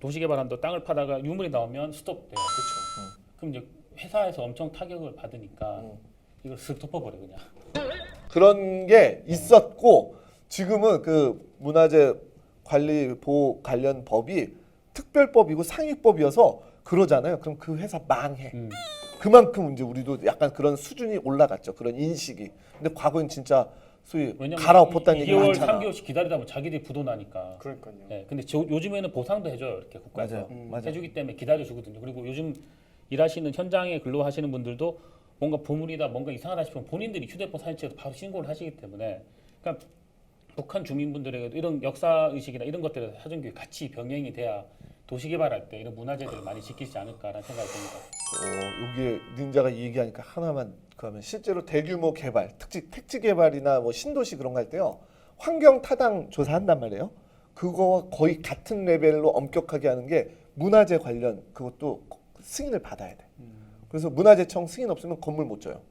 도시개발한다고 땅을 파다가 유물이 나오면 스톱돼요. 그렇죠. 그럼 이제 회사에서 엄청 타격을 받으니까 이걸 쓱 덮어버려 그냥. 그런 게 있었고 지금은 그 문화재 관리 보호 관련 법이 특별법이고 상위법이어서 그러잖아요. 그럼 그 회사 망해. 그만큼 이제 우리도 약간 그런 수준이 올라갔죠. 그런 인식이. 근데 과거엔 진짜 소위 갈아엎었다는 얘기 2개월, 많잖아. 3개월씩 기다리다 보면 자기들이 부도 나니까. 그러니까요. 네, 근데 요즘에는 보상도 해줘요. 이렇게 국가에서. 맞아요. 해주기 때문에 기다려주거든요. 그리고 요즘 일하시는 현장에 근로하시는 분들도 뭔가 보물이다 뭔가 이상하다 싶으면 본인들이 휴대폰 사진 찍어서 바로 신고를 하시기 때문에 그러니까 북한 주민분들에게도 이런 역사의식이나 이런 것들에 사전교육 같이 병행이 돼야 도시개발할 때 이런 문화재들을 많이 지키지 않을까라는 생각이 듭니다. 여기에 닌자가 이 얘기하니까 하나만 그러면 실제로 대규모 개발, 택지 개발이나 뭐 신도시 그런 거 할 때요. 환경 타당 조사한단 말이에요. 그거와 거의 같은 레벨로 엄격하게 하는 게 문화재 관련 그것도 승인을 받아야 돼. 그래서 문화재청 승인 없으면 건물 못 져요.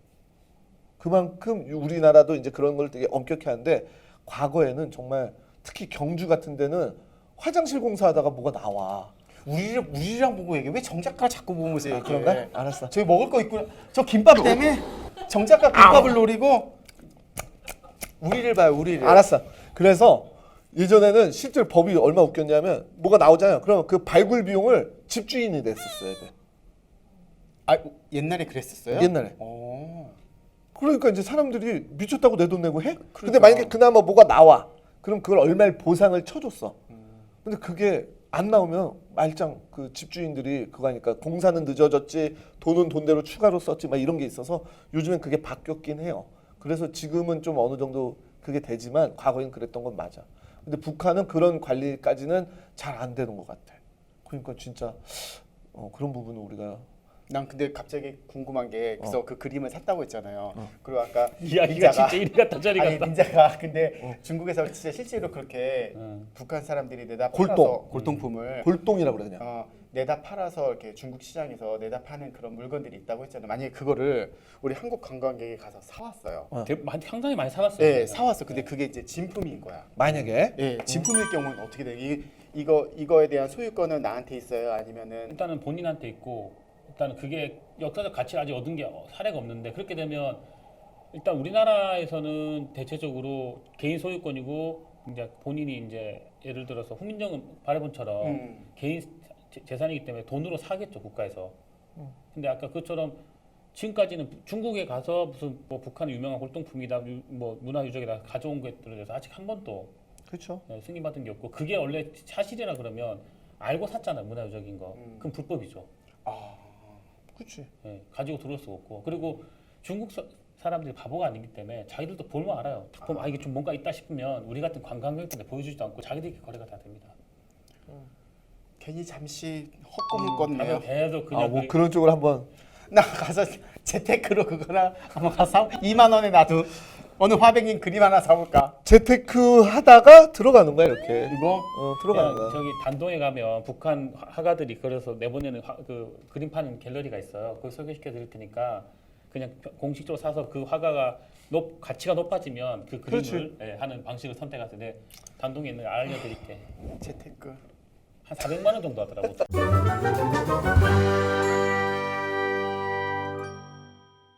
그만큼 우리나라도 이제 그런 걸 되게 엄격히 하는데 과거에는 정말 특히 경주 같은 데는 화장실 공사하다가 뭐가 나와. 우리랑 보고 얘기해. 왜 정작가 자꾸 보면서 얘기해? 그런가? 알았어. 저기 먹을 거 있구나. 저 김밥 때문에 정작가 김밥을 노리고 우리를 봐요. 우리를. 알았어. 그래서 예전에는 실제로 법이 얼마 웃겼냐면 뭐가 나오잖아요. 그러면 그 발굴 비용을 집주인이 냈었어야 돼. 아, 옛날에 그랬었어요? 옛날에. 어. 그러니까 이제 사람들이 미쳤다고 내 돈 내고 해? 근데 그러니까. 만약에 그나마 뭐가 나와. 그럼 그걸 얼마를 보상을 쳐줬어. 근데 그게 안 나오면 말짱 그 집주인들이 그거 하니까 공사는 늦어졌지 돈은 돈대로 추가로 썼지 막 이런 게 있어서 요즘엔 그게 바뀌었긴 해요. 그래서 지금은 좀 어느 정도 그게 되지만 과거엔 그랬던 건 맞아. 근데 북한은 그런 관리까지는 잘 안 되는 것 같아. 그러니까 진짜 그런 부분은 우리가 난 근데 갑자기 궁금한 게 그래서 그 그림을 샀다고 했잖아요. 그리고 아까 이야기가 진짜 이리 갔다 저리 아니 갔다. 닌자가 근데 중국에서 진짜 실제로 그렇게 북한 사람들이 내다 팔아서 골동품을 골동이라고 그래 그냥. 내다 팔아서 이렇게 중국 시장에서 내다 파는 그런 물건들이 있다고 했잖아요. 만약에 그거를 우리 한국 관광객이 가서 사왔어요. 상당히 많이 사갔어요. 네, 사왔어. 근데 그게 이제 진품인 거야. 만약에 예, 진품일 경우는 어떻게 돼? 이거에 대한 소유권은 나한테 있어요? 아니면은 일단은 본인한테 있고 일단은 그게 역사적 가치를 아직 얻은 게 사례가 없는데 그렇게 되면 일단 우리나라에서는 대체적으로 개인 소유권이고 이제 본인이 이제 예를 들어서 훈민정 발해본처럼 개인 재산이기 때문에 돈으로 사겠죠 국가에서. 근데 아까 그처럼 지금까지는 중국에 가서 무슨 뭐 북한의 유명한 골동품이다 뭐 문화유적이다 가져온 것들에 대해서 아직 한 번도 그렇죠. 승인받은 게 없고 그게 원래 사실이라 그러면 알고 샀잖아요 문화유적인 거. 그럼 불법이죠. 그렇지. 예, 가지고 들어올 수가 없고 그리고 중국 사람들이 바보가 아니기 때문에 자기들도 볼만 알아요. 딱 보면 이게 좀 뭔가 있다 싶으면 우리 같은 관광객들한테 보여주지도 않고 자기들끼리 거래가 다 됩니다. 괜히 잠시 헛꿈을 꿨네요. 계속 그냥 뭐 그런 쪽으로 한번 나 가서 재테크로 그거나 한번 가서 2만 원에 나도 어느 화백님 그림 하나 사올까? 재테크 하다가 들어가는 거야 이렇게. 이거 들어가는 거야. 저기 단동에 가면 북한 화가들이 그래서 내보내는 그 그림 파는 갤러리가 있어요. 거기 소개시켜 드릴 테니까 그냥 공식적으로 사서 그 화가가 가치가 높아지면 그 그림을 하는 방식을 선택하세요. 내 단동에 있는 거 알려드릴게. 재테크 한 400만 원 정도 하더라고.